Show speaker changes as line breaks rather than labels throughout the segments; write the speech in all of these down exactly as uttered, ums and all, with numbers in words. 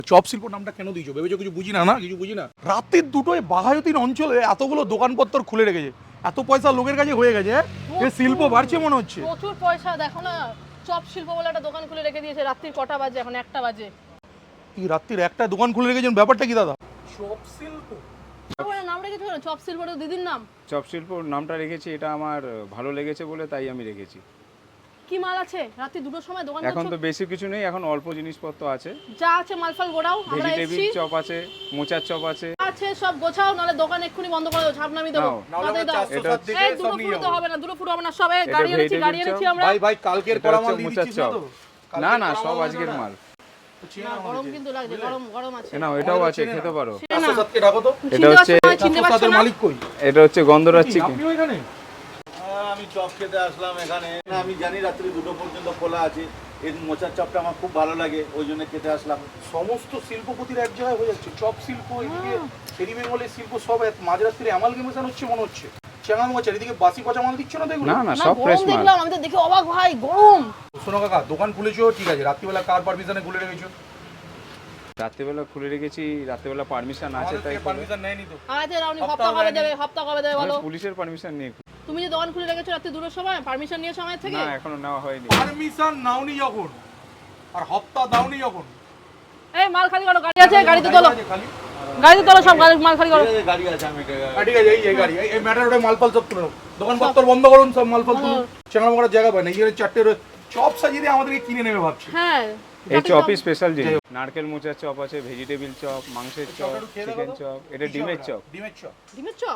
Chop শিল্প নামটা কেন দিয়েছো ভেবেছো কিছু বুঝি না না কিছু বুঝি না রাতের দুটোয় বাঘাযতীন অঞ্চলে এতগুলো দোকানপত্র খুলে রেখেছে এত পয়সা লোকের কাছে হয়ে গেছে এ শিল্প বাড়ছে মনে হচ্ছে
প্রচুর পয়সা দেখো না চপ শিল্প বলে একটা দোকান খুলে রেখে দিয়েছে রাত্রির কটা বাজে এখন একটা বাজে
কি রাত্রির একটা দোকান খুলে রেখেছেন ব্যাপারটা কি দাদা চপ শিল্প
নাম রেখেছো কেন চপ শিল্প দিদির নাম
চপ শিল্প নামটা রেখেছি এটা আমার ভালো লেগেছে বলে তাই আমি রেখেছি
কি মাল আছে রাত্রি দুটোর সময় দোকান
এখন তো বেশি কিছু নেই এখন অল্প জিনিসপত্র আছে
যা আছে মালফাল গোড়াও আমরা
ভেজিটেবিল
এসেছি
চপ আছে মোচার চপ আছে
আছে সব গোছাও নালে দোকান এক্ষুনি বন্ধ করে দাও ছাপ নামিয়ে দেবো তাতেই দাও
এটা
এই দুটো ফুটো হবে না দুটো ফুটো হবে না সবে গাড়ি এনেছি গাড়ি এনেছি আমরা
ভাই ভাই কালকের করা মাল দিয়ে
মোচার
দিচ্ছিস
চপ
না তো
না না সব আজকের মাল
না গরম কিন্তু লাগছে গরম গরম আছে
না এটাও আছে খেতে পারো
সাতকে ডাকো তো
এটা হচ্ছে
চিনতে পারছো
সাতের
না
মালিক কই
এটা হচ্ছে গন্ধরাজ চিকেন
আপনি ওইখানে
আমি চপ খেতে আসলাম এখানে আমি জানি রাত্রি দুটো পর্যন্ত খোলা আছে এই মোচার চপটা আমার খুব ভালো লাগে ওই জন্য খেতে আসলাম
সমস্ত শিল্পপতির এক জায়গায় হয়ে যাচ্ছে চপ শিল্প এদিকে শেরি বেঙ্গলের শিল্প সব মাঝরাত্রিরে অ্যামালগেমেশন হচ্ছে মনে হচ্ছে চেঙ্গা মোচা এদিকে বাসি পচা মাল দিচ্ছ না তো এগুলো
না না
না
সব ফ্রেশ
গরম
মাল
দেখলাম আমি তো দেখে অবাক ভাই গরম
শোনো কাকা দোকান খুলেছো ঠিক আছে রাত্রিবেলা কার পারমিশনে খুলে রেখেছো
রাত্রিবেলা খুলে রেখেছি রাত্রিবেলা পারমিশন আছে তাই
পারমিশন নেয়নি তো
আরে রাউনি হপ্তা কবে দেবে হপ্তা কবে দেবে বলো
পুলিশের পারমিশন নিয়ে
তুমি যে দোকান খুলে রেখেছো রাত্রি দুটোর সময় পারমিশন নিয়েছো আমার থেকে
না এখনো নেওয়া হয়নি
পারমিশন নাওনি যখন আর হপ্তা দাওনি যখন
এই মাল খালি করো গাড়ি আছে গাড়িতে তোলো গাড়িতে তোলো সব গাড়ি মাল খালি করো
গাড়ি আছে আমি
ঠিক আছে এই এই গাড়ি এই ম্যাটার ওটা মালপাল সব তুলে নাও দোকানপত্র বন্ধ করুন সব মালপাল তুলুন চেঙ্গা করার জায়গা পায় না এই চারটে চপ সাজিয়ে দিয়ে আমাদেরকে কিনে নেবে ভাবছি
হ্যাঁ
এই চপই স্পেশাল জিনিস নারকেল মোচার চপ আছে ভেজিটেবিল চপ মাংসের চপ চিকেন চপ এটা ডিমের চপ
ডিমের চপ
ডিমের চপ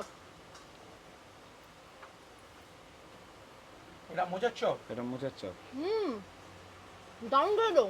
এটা মোচার চপ
এটা মোচার চপ
হুম দারুণ করে দাও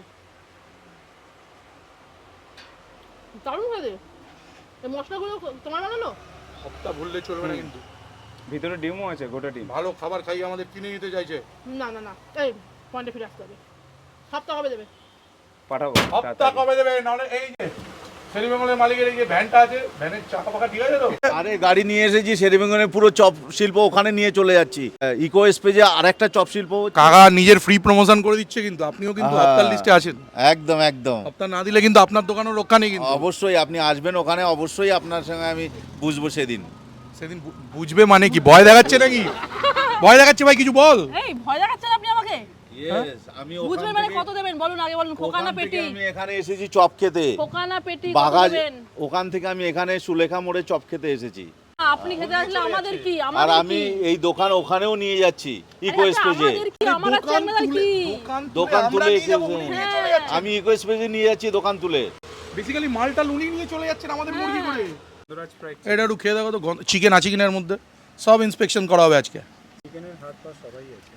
দারুণ করে দে এই মশলাগুলো তোমার বানানো
হপ্তা ভুললে চলবে না কিন্তু
ভিতরে ডিমও আছে গোটা ডিম
ভালো খাবার খাইয়ে আমাদের কিনে নিতে চাইছে
না না না এই পয়েন্টে ফিরে আসতে হবে সপ্তাহ কবে দেবে
পাঠাবো
হপ্তা কবে দেবে নাহলে এই যে শেরি বেঙ্গলের মালিকের এই যে ভ্যানটা আছে ভ্যানের চাকা পাকা ঠিক আছে তো
আরে গাড়ি নিয়ে এসেছি শেরিবেঙ্গনের পুরো চপ শিল্প ওখানে নিয়ে চলে যাচ্ছি ইকো স্পেজে আরেকটা চপ শিল্প
কাকা নিজের ফ্রি প্রমোশন করে দিচ্ছে কিন্তু আপনিও কিন্তু
হ্যাঁ।
হপ্তার লিস্টে আছেন
একদম একদম
হপ্তা না দিলে কিন্তু আপনার দোকানও রক্ষা নেই কিন্তু
অবশ্যই আপনি আসবেন ওখানে অবশ্যই আপনার সঙ্গে আমি বুঝবো সেদিন
সেদিন বু- বুঝবে মানে কি ভয় দেখাচ্ছে নাকি ভয় দেখাচ্ছে ভাই কিছু বল
এই ভয় দেখাচ্ছেন আপনি আমাকে
ইয়েস আমি
বুঝবেন মানে কত দেবেন বলুন আগে বলুন খোকানা পেটি
আমি এখানে এসেছি চপ খেতে
খোকানা পেটি কত
বাগাজ
দেবেন
ওখান থেকে আমি এখানে সুলেখা মোড়ে চপ খেতে এসেছি
আপনি খেতে আসলে আমাদের কি
আর
আমাদের
আমি
কি
এই দোকান ওখানেও নিয়ে যাচ্ছি ইকো
আরে
স্পেজে
আমাদের কি আমার চ্যানেল কি
দোকান তুলে
নিয়ে যাবো,
এসেছে।
উনি নিয়ে চলে যাচ্ছে।
আমি ইকো স্পেজে নিয়ে যাচ্ছি দোকান তুলে
বেসিক্যালি মালটা উনি নিয়ে চলে যাচ্ছেন আমাদের মুরগি করে
গন্ধরাজ ফ্রাই
এটা একটু খেয়ে দেখো তো চিকেন আছে কিনার মধ্যে সব ইন্সপেকশন করা হবে আজকে
চিকেনের হাত পা সবাই আছে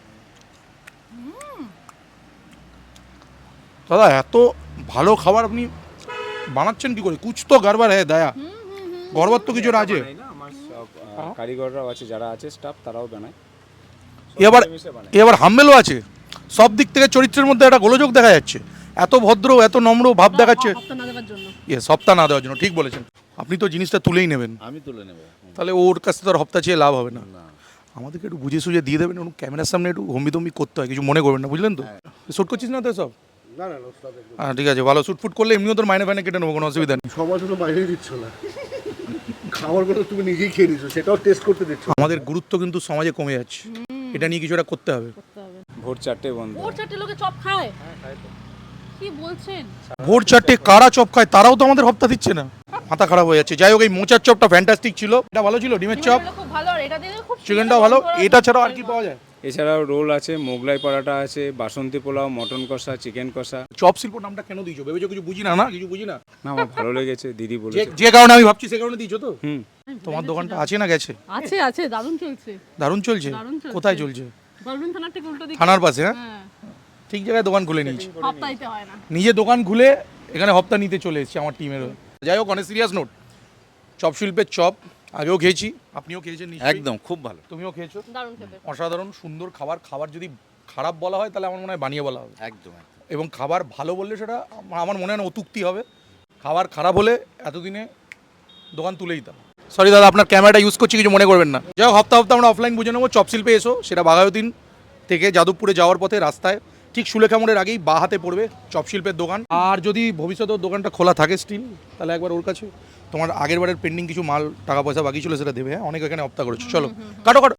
দাদা এত ভালো খাবার আপনি বানাচ্ছেন কি করে কুছ তো গড়বড় হ্যাঁ দয়া গড়বড় তো কিছু আছে
বানাই না আমার সব আহ, কারিগররাও আছে যারা আছে স্টাফ তারাও বানায় সব
এবার
মিলেমিশে বানায়।
এবার হাম্বেলও আছে সব দিক থেকে চরিত্রের মধ্যে একটা গোলযোগ দেখা যাচ্ছে এত ভদ্র এত নম্র ভাব দেখাচ্ছে
হপ্তা না দেওয়ার জন্য
ইয়ে সপ্তাহ না দেওয়ার জন্য ঠিক বলেছেন আপনি তো জিনিসটা তুলেই নেবেন
আমি তুলে নেব
তাহলে ওর কাছ থেকে তো আর হপ্তা চেয়ে লাভ হবে না আমাদেরকে একটু বুঝে সুঝে দিয়ে দেবেন ওর ক্যামেরার সামনে একটু হম্বি তম্বি করতে হয় কিছু মনে করবেন না বুঝলেন তো শ্যুট করছিস না তো সব হ্যাঁ ঠিক আছে ভালো শ্যুট ফুট করলে এমনিও তোর মাইনে ফাইনে কেটে নেবো কোনো অসুবিধা নেই
সবার জন্য বাইরেই দিচ্ছ না খাবারগুলো তুমি নিজেই খেয়ে দিচ্ছ সেটাও টেস্ট করতে দিচ্ছ
আমাদের গুরুত্ব কিন্তু সমাজে কমে যাচ্ছে এটা নিয়ে কিছু একটা করতে হবে
করতে হবে
ভোর চারটে বন্ধ
ওর চারটে লোকে চপ খায় কি বলছেন
ভোর চারটে কারা চপ খায় তারাও তো আমাদের হপ্তা দিচ্ছে না মাথা খারাপ হয়ে যাচ্ছে যাই হোক এই মোচার চপটা ফ্যান্টাস্টিক ছিল এটা ভালো ছিল ডিমের চপ
ডিমগুলো খুব ভালো আর এটা দিয়ে খুব
চিকেনটাও ভালো এটা ছাড়াও আর কি পাওয়া যায়
এছাড়াও রোল আছে মোগলাই পরাটা আছে বাসন্তী পোলাও মটন কষা চিকেন কষা
চপ শিল্প নামটা কেন দিয়েছো ভেবেছো কিছু বুঝি না না কিছু বুঝি না
না আমার ভালো লেগেছে দিদি
যে
বলেছে
যে কারণে আমি ভাবছি সে কারণে দিয়েছো তো
হুম
তোমার দোকানটা আছে না গেছে
আছে আছে দারুণ চলছে
দারুণ চলছে
দারুণ চলছে।
কোথায় চলছে
বলবেন থানার ঠিক উল্টো দিকে
থানার পাশে হ্যাঁ
হ্যাঁ
ঠিক জায়গায় দোকান খুলে নিয়েছি
হপ্তা দিতে হয় না
নিজে দোকান খুলে এখানে হপ্তা নিতে চলে এসেছি আমার টিমের হয়ে। যাই হোক অনেক সিরিয়াস নোট চপ শিল্পের চপ আগেও খেয়েছি আপনিও খেয়েছেন নিশ্চয়ই
একদম খুব ভালো
তুমিও খেয়েছো
দারুণ খেতে
অসাধারণ সুন্দর খাবার খাবার যদি খারাপ বলা হয় তাহলে আমার মনে হয় বানিয়ে বলা হবে
একদম একদম
এবং খাবার ভালো বললে সেটা আমা- আমার মনে হয় না অতুক্তি হবে খাবার খারাপ হলে এতদিনে দোকান তুলেই দিতাম সরি দাদা আপনার ক্যামেরাটা ইউজ করছি কিছু মনে করবেন না যাই হোক হপ্তা হপ্তা আমরা অফলাইন বুঝে নেবো চপ শিল্পে এসো সেটা বাঘায়তীন থেকে যাদবপুরে যাওয়ার পথে রাস্তায় ঠিক সুলেখা মোড়ের আগেই বা হাতে পড়বে চপ শিল্পের দোকান। আর যদি ভবিষ্যতে ওর দোকানটা খোলা থাকে স্টিল, তাহলে একবার ওর কাছে তোমার আগের বারের পেন্ডিং কিছু মাল টাকা পয়সা বাকি ছিল সেটা দেবে। হ্যাঁ, অনেক এখানে হপ্তা করেছো। চলো কাটো কাটো।